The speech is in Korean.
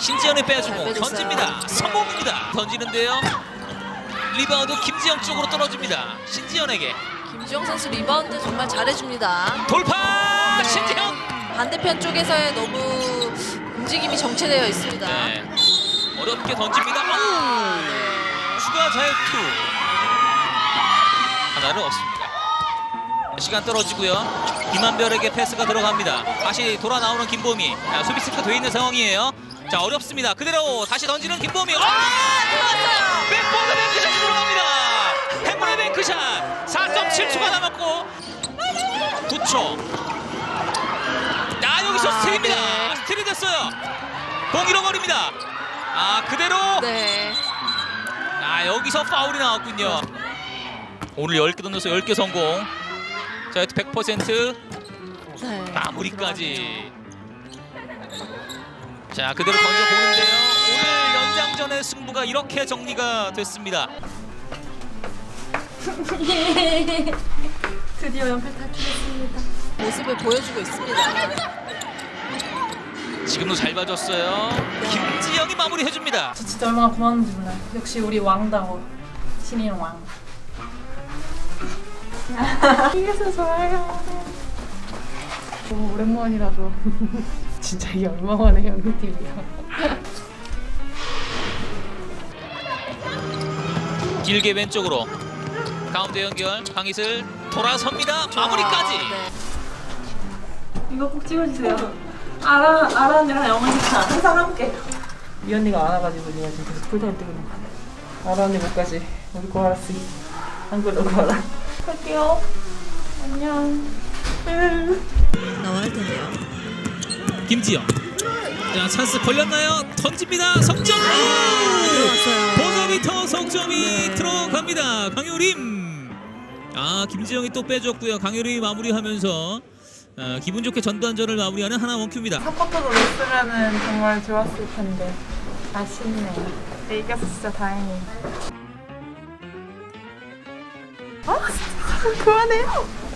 신지현이 빼주고 잘 빼줬어요. 던집니다. 성공입니다. 던지는데요. 리바운드 김지영 쪽으로 떨어집니다. 신지현에게 김주영 선수 리바운드 정말 잘해줍니다. 돌파. 네. 신지현. 반대편 쪽에서의 너무 움직임이 정체되어 있습니다. 네. 어렵게 던집니다. 추가 자유투 하나는 없습니다. 시간 떨어지고요. 김한별에게 패스가 들어갑니다. 다시 돌아 나오는 김보미. 자, 수비 스크 돼 있는 상황이에요. 자, 어렵습니다. 그대로 다시 던지는 김보미. 들어갔어요. 백보드 뱅크샷이 들어갑니다. 행운의 뱅크샷. 4.7초가 남았고 9초. 여기서 스틸입니다. 네. 스틸이 됐어요. 공 잃어버립니다. 그대로. 네. 여기서 파울이 나왔군요. 오늘 10개 던져서 10개 성공. 자, 100% 네. 마무리까지. 자, 그대로 던져보는데요. 오늘 연장전의 승부가 이렇게 정리가 됐습니다. 드디어 연필 탈출했습니다. 모습을 보여주고 있습니다. 지금도 잘 봐줬어요. 김지영이 마무리해줍니다. 저 진짜 얼마나 고마운지 몰라요. 역시 우리 왕다워. 신인 왕. 이겨서 좋아요. 너무 오랜만이라서 진짜 이게 얼마만에 연극팀이야. 길게 왼쪽으로 가운데 연결. 강희슬 돌아섭니다. 마무리까지. 네. 이거 꼭 찍어주세요. 아라 언니랑 영원이가 항상 함께. 이 언니가 안 와가지고 내가 지금 계속 풀타임 뜨고 있는 거야. 아라 언니 못 가지. 우리 거 알았어. 한글 너거 알아. 갈게요. 안녕. 나와야 되네요. 김지영. 자, 찬스 걸렸나요? 던집니다. 석점. 들어갔어요. 버저비터 석점이 네. 들어갑니다. 강효림. 김지영이 또 빼줬고요. 강효림이 마무리하면서 기분 좋게 전반전을 마무리하는 하나 원큐입니다. 4쿼터도 넣었으면 정말 좋았을 텐데 아쉽네. 근데 이겨서 진짜 다행이에요. 진짜 그만해요.